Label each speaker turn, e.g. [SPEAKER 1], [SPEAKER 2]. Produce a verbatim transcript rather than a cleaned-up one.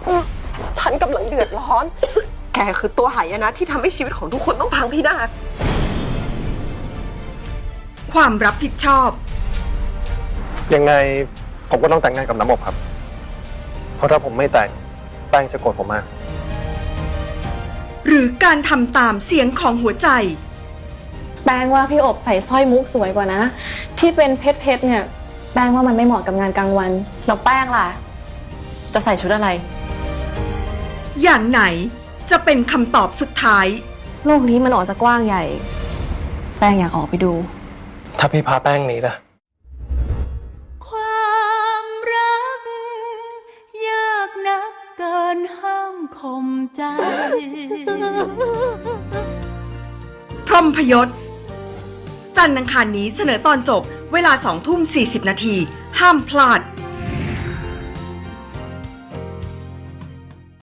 [SPEAKER 1] ฉันกำลังเดือดร้อนแกคือตัวหายนะที่ทำให้ชีวิตของทุกคนต้องพังพินาศ
[SPEAKER 2] ความรับผิดชอบ
[SPEAKER 3] ยังไงผมก็ต้องแต่งงานกับน้ำอบครับเพราะถ้าผมไม่แต่งแป้งจะโกรธผมมาก
[SPEAKER 2] หรือการทำตามเสียงของหัวใจ
[SPEAKER 4] แป้งว่าพี่อบใส่สร้อยมุกสวยกว่านะที่เป็นเพชรเพชรเนี่ยแป้งว่ามันไม่เหมาะกับงานกลางวันแล้วแป้งล่ะจะใส่ชุดอะไร
[SPEAKER 2] อย่างไหนจะเป็นคำตอบสุดท้าย
[SPEAKER 4] โลกนี้มันออกจะกว้างใหญ่แป้งอยากออกไปดู
[SPEAKER 3] ถ้าพี่พาแป้งหนีล่ะ
[SPEAKER 5] ความรักยากนักเกินห้ามข่มใจ
[SPEAKER 2] พรหมพยศจันทร์อังคารนี้เสนอตอนจบเวลาสองทุ่มสี่สิบนาทีห้ามพลาด